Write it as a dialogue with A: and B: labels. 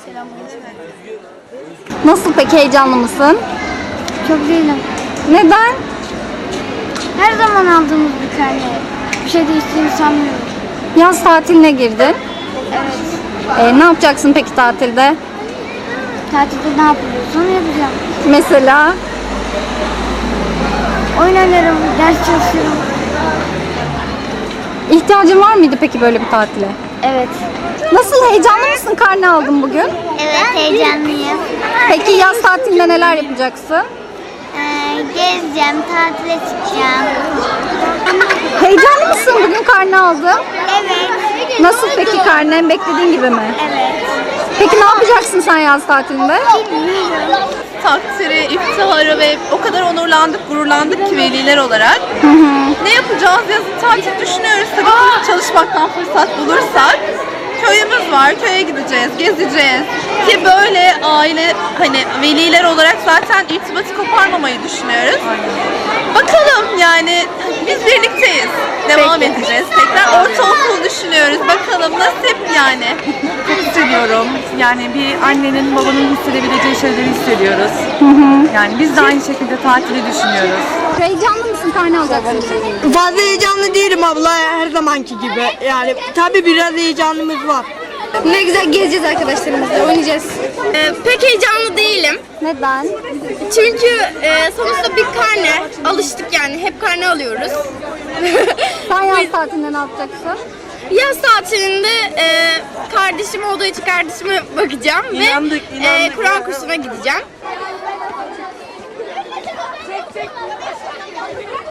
A: Nasıl peki, heyecanlı mısın?
B: Çok değilim.
A: Neden?
B: Her zaman aldığımız bir karne. Bir şey değiştiğini sanmıyorum.
A: Yaz tatiline girdin.
B: Evet.
A: Ne yapacaksın peki tatilde?
B: Tatilde ne yapıyorsun? Onu yapacağım.
A: Mesela?
B: Oyun oynarım, ders çalışırım.
A: İhtiyacın var mıydı peki böyle bir tatile?
B: Evet.
A: Nasıl, heyecanlı mısın? Karne aldın bugün.
B: Evet, heyecanlıyım.
A: Peki yaz tatilinde neler yapacaksın?
B: Gezeceğim, tatile çıkacağım.
A: Heyecanlı mısın? Bugün karne aldın.
B: Evet.
A: Nasıl peki karnen? Beklediğin gibi mi?
B: Evet.
A: Peki ne yapacaksın sen yaz tatilinde?
C: Takdiri, iftiharı ve o kadar onurlandık, gururlandık ki veliler olarak. Ne yapacağız? Yazın tatil düşünüyoruz. Tabii çalışmaktan fırsat bulursak. Köyümüz var, köye gideceğiz, gezeceğiz. Ki böyle aile, hani veliler olarak zaten irtibatı koparmamayı düşünüyoruz. Bakalım yani biz birlikteyiz. Devam edeceğiz. Tekrar ortaokul düşünüyoruz. Bakalım nasip yani.
D: Çok hissediyorum. Yani bir annenin, babanın hissedebileceği şeyleri hissediyoruz. Yani biz de aynı şekilde tatili düşünüyoruz.
A: Heyecanlı mısın? Karne alacaksın.
E: Fazla heyecanlı değilim abla, her zamanki gibi. Yani tabii biraz heyecanımız var.
A: Ne güzel gezeceğiz arkadaşlarımızla, oynayacağız.
F: Pek heyecanlı değilim.
A: Neden?
F: Çünkü sonuçta bir karne. Alıştık yani. Hep karne alıyoruz.
A: Sen yaz tatilinde ne yapacaksın?
F: Yaz tatilinde kardeşim olduğu için kardeşime bakacağım ve Kur'an kursuna gideceğim.